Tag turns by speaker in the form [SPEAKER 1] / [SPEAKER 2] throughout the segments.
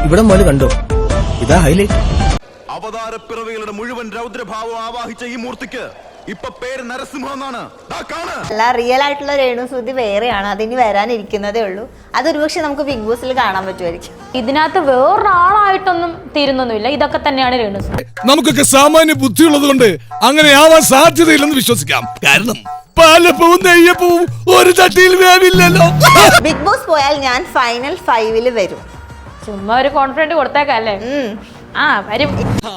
[SPEAKER 1] ഇവിടെ മുതൽ കണ്ടോ, ഇതാ ഹൈലൈറ്റ്.
[SPEAKER 2] അവതാരപ്പിറവികളുടെ മുഴുവൻ രൗദ്രഭാവം ആവാഹിച്ച ഈ മൂർത്തിക്ക് ഇപ്പൊ പേര് നരസിംഹം എന്നാണ്.
[SPEAKER 3] അല്ല, റിയൽ ആയിട്ടുള്ള രേണുസുതി വേറെയാണ്, അതിന് വരാനിരിക്കുന്നതേ ഉള്ളൂ. അതൊരുപക്ഷെ നമുക്ക് ബിഗ് ബോസിൽ കാണാൻ പറ്റുമായിരിക്കും.
[SPEAKER 4] ഇതിനകത്ത് വേറൊരാളായിട്ടൊന്നും തീരുന്നൊന്നുമില്ല. ഇതൊക്കെ തന്നെയാണ് രേണുസുതി.
[SPEAKER 5] നമുക്കൊക്കെ സാമാന്യ ബുദ്ധിയുള്ളത് കൊണ്ട് അങ്ങനെ ആവാൻ സാധ്യതയില്ലെന്ന് വിശ്വസിക്കാം. കാരണം പാലപ്പവും നെയ്യപ്പവും ഒരു ചട്ടിയിൽ വേവില്ലല്ലോ.
[SPEAKER 3] ബിഗ് ബോസ് പോയാൽ ഞാൻ ഫൈനൽ 5 വരും.
[SPEAKER 4] ചുമ്മാ ഒരു കോൺഫിഡന്റ് കൊടുത്തേക്കല്ലേ. ആ വരും.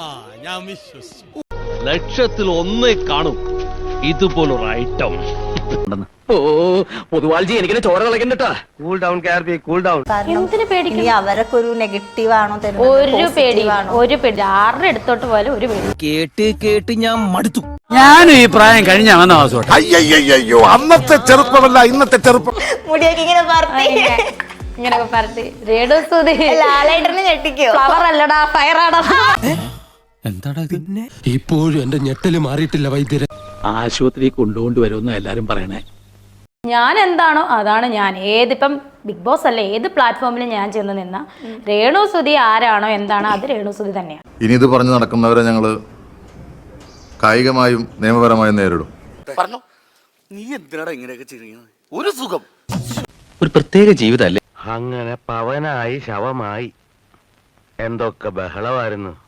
[SPEAKER 6] ലക്ഷത്തിൽ ഒന്നേ കാണും ഇതുപോലൊരു ഐറ്റം.
[SPEAKER 1] പൊതുവാൾജി എനിക്കിനെ ചോര കളക്കണ്ടട്ടാ. കൂൾ ഡൗൺ കാർബി, കൂൾ ഡൗൺ.
[SPEAKER 4] എന്തിനു പേടിക്കും?
[SPEAKER 3] അവരൊക്കെ ഒരു നെഗറ്റീവ് ആണോ
[SPEAKER 4] ഒരു പേടി, ഒരു പേടി. ആരുടെ അടുത്തോട്ട് പോയാലും ഒരു പേടി.
[SPEAKER 1] കേട്ട് കേട്ട് ഞാൻ മടുത്തു.
[SPEAKER 7] ഞാനും ഈ പ്രായം കഴിഞ്ഞ വന്ന വാസോട്ടെ.
[SPEAKER 5] അയ്യോ, അന്നത്തെ ചെറുപ്പമല്ല ഇന്നത്തെ ചെറുപ്പം.
[SPEAKER 3] മുടിയൊക്കെ ഇങ്ങനെ പറത്തി
[SPEAKER 4] ഇങ്ങനൊക്കെ പറത്തി രേണുസുതി
[SPEAKER 3] ലാലേട്ടനെ ഞെട്ടിക്കോ?
[SPEAKER 4] ഫ്ലവർ അല്ലടാ, ഫയറാടാ.
[SPEAKER 7] എന്താടാ പിന്നെ? ഇപ്പോഴും എന്റെ ഞെട്ടല് മാറിയിട്ടില്ല വൈദ്യരെ. ആശുപത്രി കൊണ്ടുവരുമെന്ന് എല്ലാരും പറയണേ.
[SPEAKER 4] ഞാൻ എന്താണോ അതാണ് ഞാൻ. ഏതിപ്പം ബിഗ് ബോസ് അല്ല, ഏത് പ്ലാറ്റ്ഫോമിലും ഞാൻ ചെന്ന് നിന്ന രേണുസുതി ആരാണോ എന്താണോ അത് രേണുസുതി തന്നെയാണ്.
[SPEAKER 8] ഇനി ഇത് പറഞ്ഞു നടക്കുന്നവരെ ഞങ്ങള് കായികമായും നിയമപരമായും നേരിടും.
[SPEAKER 9] പറഞ്ഞു നീ എന്തിനാടാ ഇങ്ങനെയൊക്കെ ചെയ്യുന്നത്? ഒരു സുഖം,
[SPEAKER 1] ഒരു പ്രത്യേക ജീവിതമല്ലേ.
[SPEAKER 6] അങ്ങനെ പവനായി ശവമായി എന്തൊക്കെ ബഹളമായിരുന്നു.